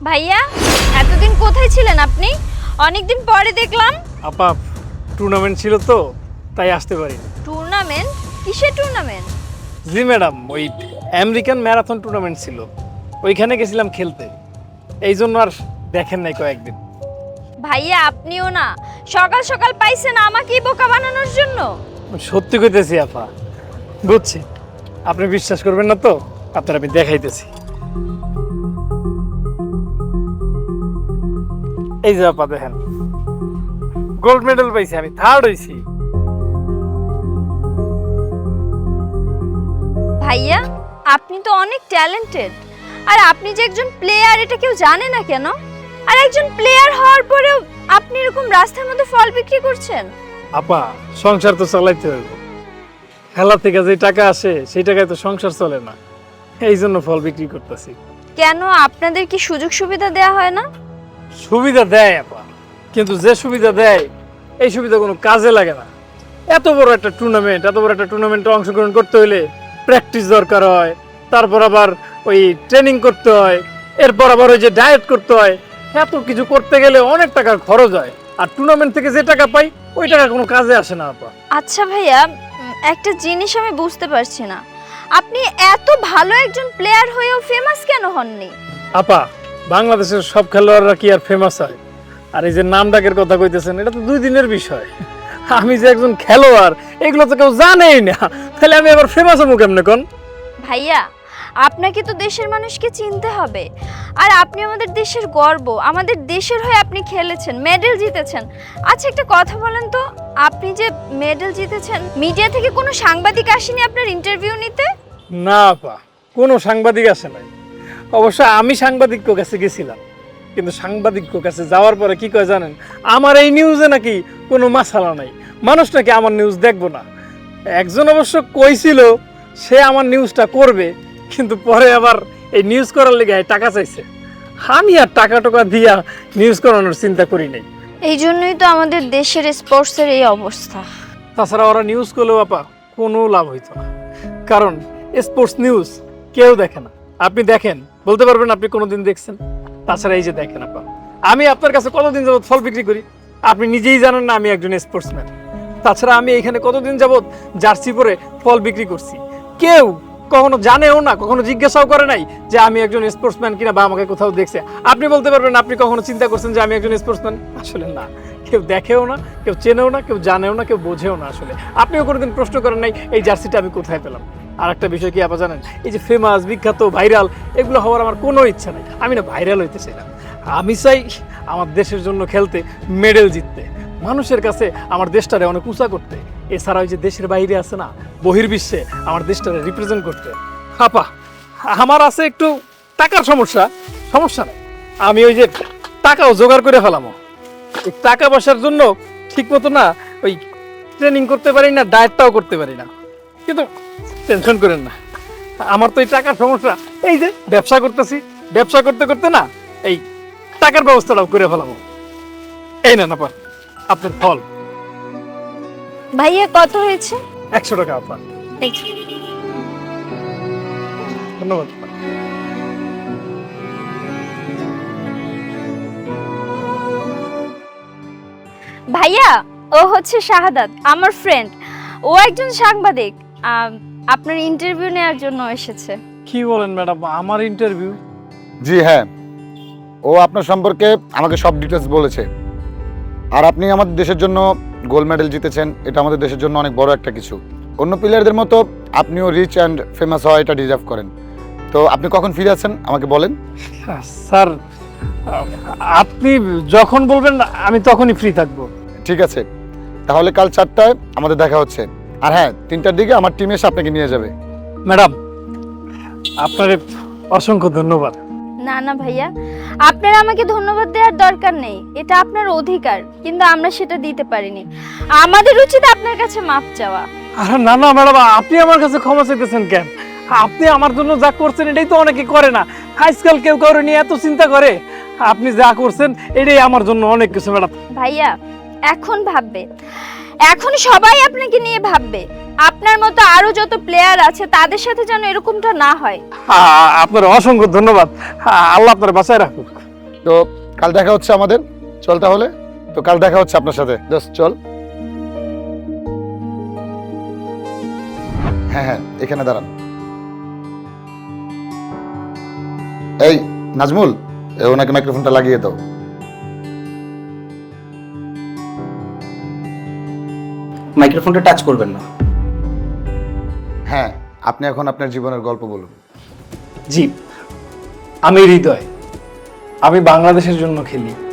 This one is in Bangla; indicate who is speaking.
Speaker 1: ভাইয়া, এতদিন কোথায় ছিলেন আপনি? অনেকদিন পরে দেখলাম।
Speaker 2: আপা টুর্নামেন্ট ছিল তো তাই আসতে পারি।
Speaker 1: টুর্নামেন্ট? কিসের টুর্নামেন্ট?
Speaker 2: জি ম্যাডাম, ওই আমেরিকান ম্যারাথন টুর্নামেন্ট ছিল, ওইখানে গেছিলাম খেলতে, এই জন্য আর দেখেন নাই কয়েকদিন।
Speaker 1: ভাইয়া আপনিও না সকাল সকাল পাইছেন আমাকেই বোকা বানানোর জন্য।
Speaker 2: সত্যি কইতেছি আপা, বুঝছি আপনি বিশ্বাস করবেন না তো আপনার আমি দেখাইতেছি। এই যে আপা দেখেন, গোল্ড মেডেল পাইছি, আমি থার্ড হইছি।
Speaker 1: ভাইয়া আপনি তো অনেক ট্যালেন্টেড, আর আপনি যে একজন প্লেয়ার এটা কেউ জানে না কেন? আর একজন প্লেয়ার হওয়ার পরেও আপনি এরকম রাস্তার মধ্যে ফল বিক্রি করছেন?
Speaker 2: আপা সংসার তো চালাইতে হবে, খেলা থেকে যে টাকা আসে সেই টাকায় তো সংসার চলে না, এই জন্য ফল বিক্রি করতেছি।
Speaker 1: কেন, আপনাদের কি সুযোগ সুবিধা দেয়া হয় না?
Speaker 2: সুবিধা দেয় আপা, কিন্তু যে সুবিধা দেয় এই সুবিধা কোনো কাজে লাগে না। এত বড় একটা টুর্নামেন্টে অংশগ্রহণ করতে হলে প্র্যাকটিস দরকার হয়, তারপর আবার ওই ট্রেনিং করতে হয়, এরপর আবার ওই যে ডায়েট করতে হয়, এত কিছু করতে গেলে অনেক টাকার খরচ হয়, আর টুর্নামেন্ট থেকে যে টাকা পাই ওই টাকা কোনো কাজে আসে না আপা।
Speaker 1: আচ্ছা ভাইয়া, একটা জিনিস আমি বুঝতে পারছি না, আপনি এত ভালো একজন প্লেয়ার হয়েও ফেমাস কেন হননি?
Speaker 2: আপা বাংলাদেশের সব খেলোয়াড়রা কি আর ফেমাস হয়? আর এই যে নাম ডাকের কথা কইতেছেন, এটা তো 2 দিনের বিষয়। আমি যে একজন খেলোয়াড় এগুলো তো কেউ জানেই না, তাহলে আমি আবার ফেমাস হবো কেমনে কোন?
Speaker 1: ভাইয়া আপনাকে তো দেশের মানুষকে চিনতে হবে, আর আপনি আমাদের দেশের গর্ব, আমাদের দেশের হয়ে আপনি খেলেছেন, মেডেল জিতেছেন। আচ্ছা একটা কথা বলেন তো, আপনি যে মেডেল জিতেছেন, মিডিয়া থেকে কোনো সাংবাদিক আসেনি আপনার ইন্টারভিউ নিতে?
Speaker 2: না আপা, কোনো সাংবাদিক আসে নাই। অবশ্য আমি সাংবাদিকের কাছে গেছিলাম, কিন্তু সাংবাদিকের কাছে যাওয়ার পরে কি কয় জানেন? আমার এই নিউজে নাকি কোনো মাসালা নাই, মানুষ নাকি আমার নিউজ দেখবো না। একজন অবশ্য কইছিল সে আমার নিউজটা করবে, কিন্তু পরে আবার এই নিউজ করার লেগে টাকা চাইছে। আমি আর টাকা টোকা দিয়া নিউজ করানোর চিন্তা করি নাই।
Speaker 1: এই জন্যই তো আমাদের দেশের স্পোর্টসের এই অবস্থা।
Speaker 2: তাছাড়া ওরা নিউজ করলেও আপা কোনো লাভ হইতো না, কারণ স্পোর্টস নিউজ কেউ দেখে না। আপনি দেখেন, বলতে পারবেন আপনি কোনোদিন দেখছেন? তাছাড়া এই যে দেখেন আপা, আমি আপনার কাছে কতদিন যাবত ফল বিক্রি করি, আপনি নিজেই জানেন না আমি একজন স্পোর্টসম্যান। তাছাড়া আমি এখানে কতদিন যাবত জার্সি পরে ফল বিক্রি করছি, কেউ কখনো জানেও না, কখনো জিজ্ঞাসাও করে নাই যে আমি একজন স্পোর্টসম্যান কিনা বা আমাকে কোথাও দেখছে। আপনি বলতে পারবেন আপনি কখনো চিন্তা করছেন যে আমি একজন স্পোর্টসম্যান? আসলে না, কেউ দেখেও না, কেউ চেনেও না, কেউ জানেও না, কেউ বোঝেও না। আসলে আপনিও কোনোদিন প্রশ্ন করেন নাই এই জার্সিটা আমি কোথায় পেলাম। আর একটা বিষয় কি আপা জানেন, এই যে ফেমাস, বিখ্যাত, ভাইরাল এগুলো হওয়ার আমার কোনো ইচ্ছা নাই। আমি না ভাইরাল হইতে চাই না, আমি চাই আমার দেশের জন্য খেলতে, মেডেল জিততে, মানুষের কাছে আমার দেশটারে অনেক উঁচা করতে। এছাড়া ওই যে দেশের বাইরে আছে না, বহির্বিশ্বে আমার দেশটারে রিপ্রেজেন্ট করতে। আপা আমার আছে একটু টাকার সমস্যা, সমস্যা নেই, আমি ওই যে টাকাও জোগাড় করে ফেলামো। এই টাকা পয়সার জন্য ঠিক মতো না ওই ট্রেনিং করতে পারি না, ডায়েটটাও করতে পারি না, কিন্তু টেনশন করেন না, আমার তো এই টাকার সমস্যা, এই যে ব্যবসা করতেছি, ব্যবসা করতে করতে না এই টাকার ব্যবস্থাটাও করে ফেলাবো। এই না আপা আপনার ফল।
Speaker 1: ভাইয়া কত হয়েছে?
Speaker 2: 100 টাকা আপা। ধন্যবাদ।
Speaker 1: ভাইয়া ও হচ্ছে শাহাদাত, আমার ফ্রেন্ড, ও একজন সাংবাদিক, আপনার ইন্টারভিউ নেওয়ার জন্য এসেছে।
Speaker 2: কি বলেন ম্যাডাম, আমার ইন্টারভিউ?
Speaker 3: জি হ্যাঁ, ও আপনার সম্পর্কে আমাকে সব ডিটেলস বলেছে। আর আপনি আমাদের দেশের জন্য গোল্ড মেডেল জিতেছেন, এটা আমাদের দেশের জন্য অনেক বড় একটা কিছু। অন্য প্লেয়ারদের মতো আপনিও রিচ অ্যান্ড ফেমাস হওয়া এটা ডিজার্ভ করেন। তো আপনি কখন ফিরে আছেন আমাকে বলেন।
Speaker 2: স্যার আপনি যখন বলবেন আমি তখনই ফ্রি থাকবো।
Speaker 3: ঠিক আছে, তাহলে কাল 4টায় আমাদের দেখা হচ্ছে। আর হ্যাঁ, 3টার দিকে আমার টিম এসে আপনাকে নিয়ে যাবে।
Speaker 2: ম্যাডাম আপনার অসংখ্য ধন্যবাদ।
Speaker 1: না না ভাইয়া, আপনার আমাকে ধন্যবাদ দেওয়ার দরকার নেই, এটা আপনার অধিকার, কিন্তু আমরা সেটা দিতে পারিনি। আমাদের উচিত আপনার কাছে মাপ চাওয়া।
Speaker 2: আরে না না ম্যাডাম, আপনি আমার কাছে ক্ষমা চাইতেছেন কেন? আপনি আমার জন্য যা করছেন এটাই তো অনেকে করে না, আজকাল কেউ কারো নিয়ে এত চিন্তা করে। আপনি যা করছেন এটাই আমার জন্য অনেক কিছু ম্যাডাম।
Speaker 1: ভাইয়া এখন ভাববে, এখন সবাই আপনাকে নিয়ে ভাববে, আপনার মতো আরো যত প্লেয়ার আছে তাদের সাথে যেন এরকমটা না হয়।
Speaker 2: আপনার অসংখ্য ধন্যবাদ, আল্লাহ আপনার বাঁচায় রাখুক।
Speaker 3: তো কাল দেখা হচ্ছে আমাদের, চল তাহলে। তো কাল দেখা হচ্ছে আপনার সাথে, দোস্ত চল। হ্যাঁ হ্যাঁ, এখানে দাঁড়ান। এই নাজমুল, ওনাকে মাইক্রোফোনটা লাগিয়ে দাও।
Speaker 4: মাইক্রোফোনটা টাচ করবেন না।
Speaker 3: হ্যাঁ, আপনি এখন আপনার জীবনের গল্প বলুন।
Speaker 2: জি, আমি হৃদয়, আমি বাংলাদেশের জন্য খেলি।